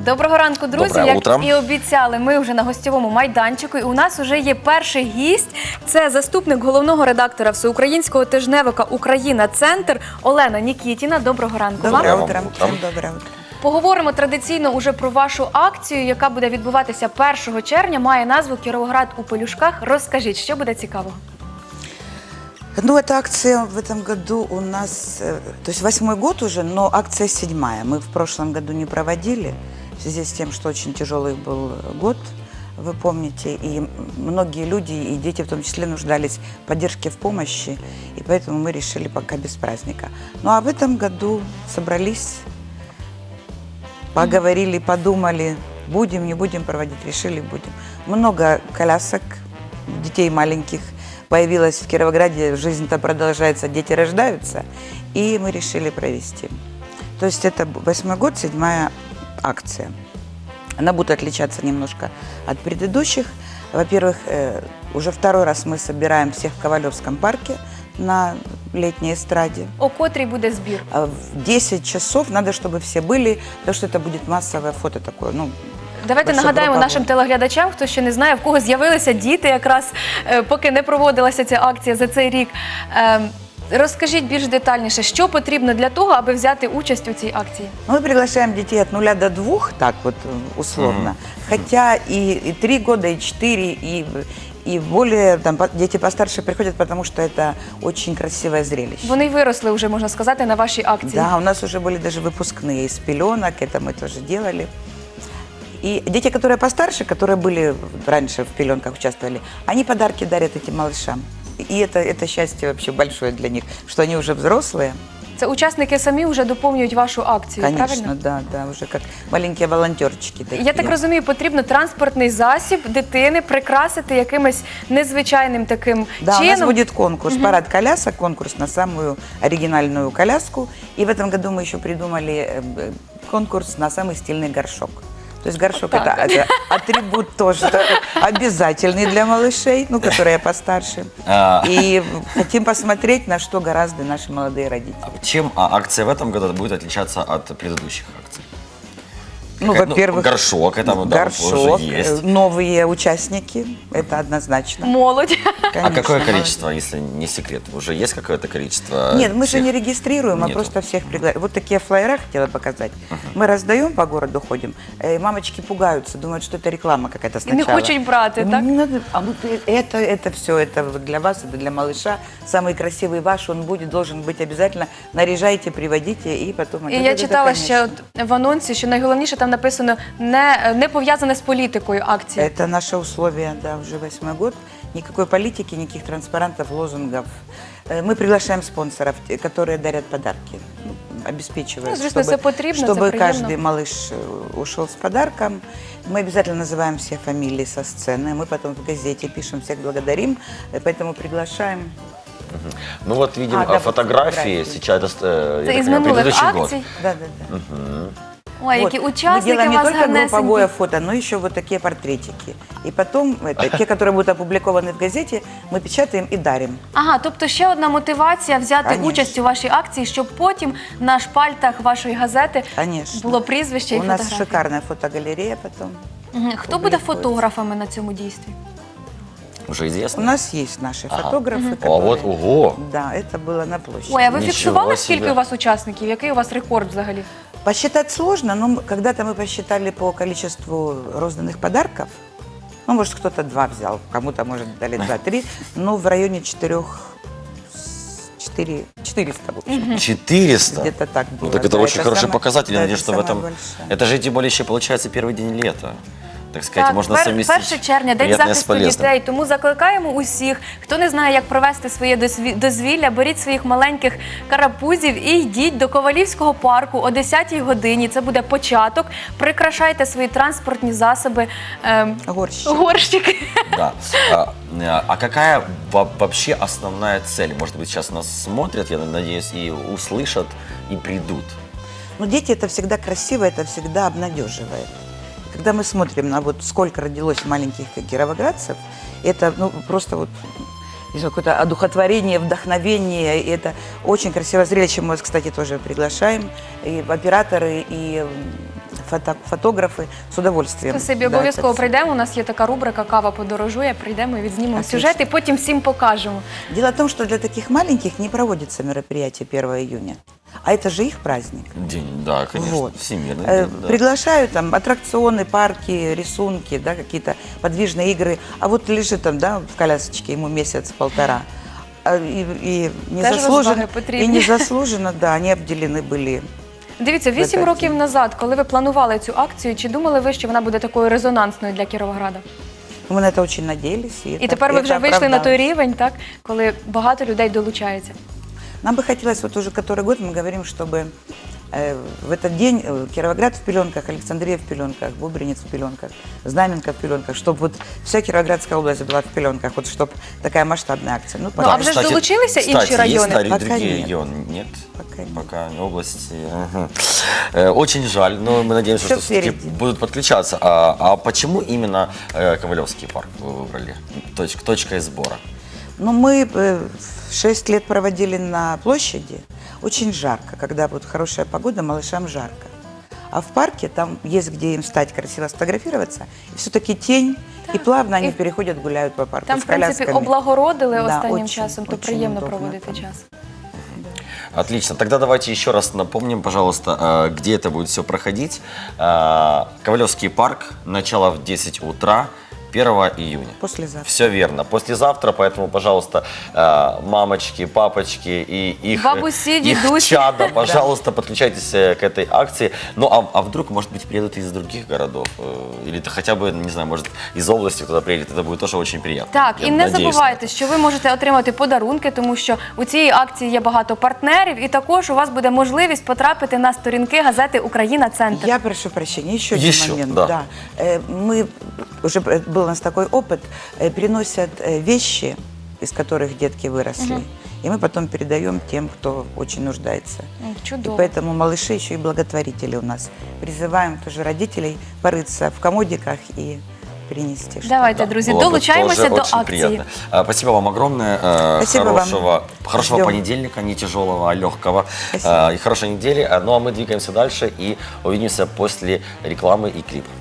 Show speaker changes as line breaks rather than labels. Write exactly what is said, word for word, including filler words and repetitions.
Доброго ранку, друзі.
Доброе
Як
утро.
і обіцяли, ми вже на гостьовому майданчику. І у нас вже є перший гість. Це заступник головного редактора всеукраїнського тижневика «Україна. Центр» Олена Нікітіна. Доброго ранку вам.
Доброе
вам.
утро.
Утром.
Всем доброе утро.
Поговоримо традиційно уже про вашу акцію, яка буде відбуватися першого червня. Має назву «Кіровоград у пелюшках». Розкажіть, що буде цікавого?
Ну, эта акция в этом году у нас, э, то есть восьмой год уже, но акция седьмая. Мы в прошлом году не проводили, в связи с тем, что очень тяжелый был год, вы помните, и многие люди, и дети в том числе, нуждались в поддержке, в помощи, и поэтому мы решили пока без праздника. Ну, а в этом году собрались, поговорили, подумали, будем, не будем проводить, решили, будем. Много колясок, детей маленьких появилась в Кировограде, жизнь-то продолжается, дети рождаются, и мы решили провести. То есть это восьмой год, седьмая акция. Она будет отличаться немножко от предыдущих. Во-первых, э, уже второй раз мы собираем всех в Ковалевском парке на летней эстраде.
О котрій буде збір?
А В десять часов надо, чтобы все были, потому что это будет массовое фото такое, ну,
Давайте
Большой
нагадаємо
група
нашим
буде.
телеглядачам, хто ще не знає, в кого з'явилися діти, якраз е, поки не проводилася ця акція за цей рік. Е, Розкажіть більш детальніше, що потрібно для того, аби взяти участь у цій акції?
Мы приглашаем детей от нуля до двух, так вот э, условно. Хотя и, и три года, и четыре, и, и более, там, по- дети постарше приходят, потому что это очень красивое зрелище.
Вони й виросли вже, можна сказати, на вашій акції.
Да, у нас уже были даже выпускные из пеленок, это мы тоже делали. И дети, которые постарше, которые были раньше в пеленках участвовали, они подарки дарят этим малышам. И это, это счастье вообще большое для них, что они уже взрослые.
Це учасники самі вже доповнюють вашу акцію,
Конечно,
правильно?
да, да, уже как маленькие волонтерчики такие.
Я так розумію, потрібно транспортний засіб дитини прикрасити якимось незвичайним таким
Да, у
чином.
нас будет конкурс, парад колясок, конкурс на самую оригинальную коляску. И в этом году мы еще придумали э, э, конкурс на самый стильный горшок. То есть горшок
Вот
это,
так вот.
это атрибут тоже такой обязательный для малышей, ну, которые постарше.
А.
И хотим посмотреть, на что гораздо наши молодые родители.
Чем а, акция в этом году будет отличаться от предыдущих акций?
Ну,
Какая-
во-первых,
горшок, это да,
горшок,
уже есть.
э, новые участники, это однозначно.
Молодь.
А
Конечно,
какое
молодые.
количество, если не секрет? Уже есть какое-то количество?
Нет, мы же
всех?
не регистрируем, а
Нету.
просто всех приглашаем. Вот такие флаера хотела показать. Мы раздаем по городу, ходим, и мамочки пугаются, думают, что это реклама какая-то
І не
сначала.
хочуть брати,
Ну,
так?
не надо. А вот это, это все, это вот для вас, это для малыша. Самый красивый ваш, он будет, должен быть обязательно. Наряжайте, приводите, и потом...
І я читала ще от в анонсі, що найголовніше там написано не, не пов'язане з політикою акції.
Это наше условие, да, уже восьмой год. Никакой политики, никаких транспарантов, лозунгов. Э, Мы приглашаем спонсоров, те, которые дарят подарки, ну, обеспечивают,
Ну, звісно, це потрібно, це
чтобы
приємно.
каждый малыш э, ушел с подарком. Мы обязательно называем все фамилии со сцены, мы потом в газете пишем, всех благодарим, э, поэтому приглашаем.
Ну вот видим
А,
а,
да,
фотографии,
фотографии.
сейчас, э,
Це
я
із
так понимаю,
минулих
предыдущий год.
акцій.
Да, да, да.
Ой,
Вот.
які
Мы
учасники
делаем
у
не
вас
только групповое
гарнесенькі.
фото, но еще вот такие портретики. И потом, это, те, которые будут опубликованы в газете, мы печатаем и дарим.
Ага, тобто ще одна мотивація взяти
Конечно.
участь у вашій акції, щоб потім на шпальтах вашої газети
Конечно.
було прізвище і
У нас
фотографії.
шикарная фотогалерея потом.
Мгм. Хто буде
публікується.
фотографами на цьому дійстві?
Уже
У
известно?
нас есть наши
Ага.
фотографы,
А вот,
которые...
ого!
Да, это было на площади.
Ой, а ви
Нічого
фіксували, скільки
собі.
у вас учасників? Який у вас рекорд взагалі?
Посчитать сложно, но мы- когда-то мы посчитали по количеству розданных подарков. Ну, может, кто-то два взял, кому-то, может, дали два-три, но в районе четырех, четыре, четыреста, в общем.
четыреста?
Где-то так
Ну
было.
так это
Да,
очень
это
хороший
самое-
показатель. Я
да,
надеюсь,
это
что в
самое
этом...
большое.
Это же тем более еще получается первый день лета. Так сказать,
Так,
можно
пер-
совместить
перше червня, День
приятное с
захисту
полезным.
дітей. Тому закликаємо усіх, хто не знає, як провести своє дозві- дозвілля, беріть своїх маленьких карапузів і йдіть до Ковалівського парку о десятій годині. Це буде початок. Прикрашайте свої транспортні засоби, ем,
Горщик.
горщики.
Да. А, а какая во- вообще основная цель? Может быть, сейчас нас смотрят, я надеюсь, и услышат, и придут.
Но дети это всегда красиво, это всегда обнадеживает. Когда мы смотрим на вот сколько родилось маленьких кировоградцев, это ну, просто вот не знаю, какое-то одухотворение, вдохновение. И это очень красивое зрелище. Мы вас, кстати, тоже приглашаем. И операторы, и фото- фотографы с удовольствием.
Спасибі,
Да,
обов'язково
это всё.
прийдемо. У нас є така рубрика «Кава подорожує». Прийдемо і відзнімемо
Отлично.
сюжет і потім всім покажемо.
Дело в том, что для таких маленьких не проводится мероприятие первого июня. А это же их праздник.
День, да, конечно,
Вот.
всемирный
Э,
день, да.
Приглашают там аттракционы, парки, рисунки, да, какие-то подвижные игры. А вот лежит там, да, в колясочке ему месяц-полтора. А, И, и незаслуженно,
розваги
и
потрібні.
незаслуженно, да, они обделены были.
Дивіться, вісім
Видатні.
років назад, коли ви планували цю акцію, чи думали ви, що вона буде такою резонансною для Кіровограда?
Мы на это очень надеялись.
І
это-
тепер ви
это
вже вийшли на той
оправдалось.
рівень, так, коли багато людей долучається.
Нам бы хотелось, вот уже который год мы говорим, чтобы э, в этот день э, Кировоград в пеленках, Александрия в пеленках, Бубринец в пеленках, Знаменка в пеленках, чтобы вот вся Кировоградская область была в пеленках, вот чтобы такая масштабная акция. Ну,
Ну, а
пока-
вже ж долучилися інші
кстати,
райони?
Есть на
Пока
другие
нет.
регионы? Нет?
Пока нет.
Пока не области. Мгм. Э, Очень жаль, но мы надеемся,
Всё
что все-таки
впереди.
будут подключаться. А, а почему именно э, Ковалевский парк вы выбрали? Точ- точкой сбора.
Ну, мы э, шесть лет проводили на площади. Очень жарко, когда вот хорошая погода, малышам жарко. А в парке там есть где им встать, красиво сфотографироваться. И все-таки тень, и плавно они
И
переходят, гуляют по парку
Там,
с
в принципі,
колясками.
облагородили
Да,
останнім
очень,
часом, то
очень
приємно
удобно
проводити
там.
час.
Отлично. Тогда давайте еще раз напомним, пожалуйста, э, где это будет все проходить. Э, Ковалевский парк, начало в десять утра, первого июня.
Послезавтра.
Все верно. Послезавтра, поэтому, пожалуйста, э, мамочки, папочки и их,
Бабуси,
их
дедуси.
чада, пожалуйста, подключайтесь э, к этой акции. Ну, а, а вдруг, может быть, приедут из других городов? э, Или то хотя бы, не знаю, может, из области кто-то приедет. Это будет тоже очень приятно.
Так,
Я
і не
надеюсь на
забувайте, що ви можете отримати подарунки, тому що у цій акції є багато партнерів, і також у вас буде можливість потрапити на сторінки газети «Україна Центр».
Я прошу прощения, еще один
Еще,
момент.
да.
Э, Мы, уже э, был у нас такой опыт, э, переносят э, вещи, из которых детки выросли, и мы потом передаем тем, кто очень нуждается.
М,
И
Чудово.
поэтому малыши еще и благотворители у нас. Призываем тоже родителей порыться в комодиках и принести что-то.
Давайте,
Да,
друзі,
было бы
долучаємося
тоже
до
очень
акції.
приятно. А, Спасибо вам огромное. э,
Спасибо вам.
хорошего, хорошего
Ждем.
понедельника, не тяжелого, а легкого.
Спасибо.
Э, И хорошей недели. А, Ну а мы двигаемся дальше и увидимся после рекламы и клипа.